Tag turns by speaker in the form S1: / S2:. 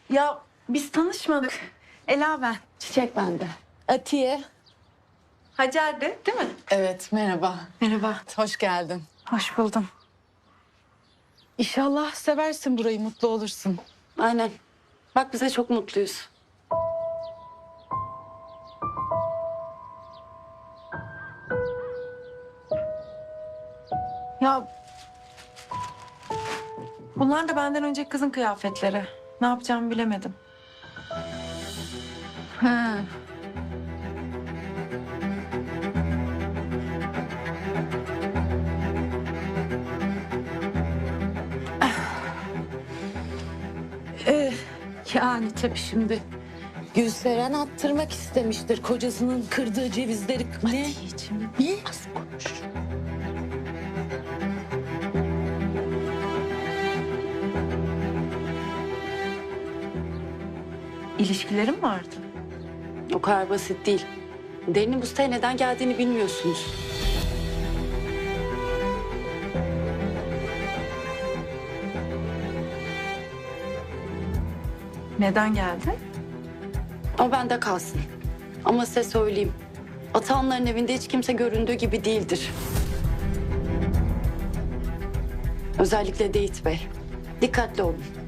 S1: Ya biz tanışmadık. Ela ben.
S2: Çiçek bende. Atiye.
S1: Hacer'di değil mi?
S2: Evet, merhaba.
S1: Merhaba.
S2: Hoş geldin.
S1: Hoş buldum.
S2: İnşallah seversin burayı, mutlu olursun.
S3: Aynen. Bak bize çok mutluyuz.
S1: Ya bunlar da benden önceki kızın kıyafetleri. Ne yapacağımı bilemedim.
S2: Ha. Yani tabii şimdi Gülseren attırmak istemiştir kocasının kırdığı cevizleri. Ne?
S1: Atiyeciğim.
S2: Ne?
S1: Az konuş. İlişkilerim vardı.
S3: O kadar basit değil. Derin'in bu siteye neden geldiğini bilmiyorsunuz.
S1: Neden geldi?
S3: O bende kalsın. Ama size söyleyeyim. Atanların evinde hiç kimse göründüğü gibi değildir. Özellikle Deyit Bey. Dikkatli olun.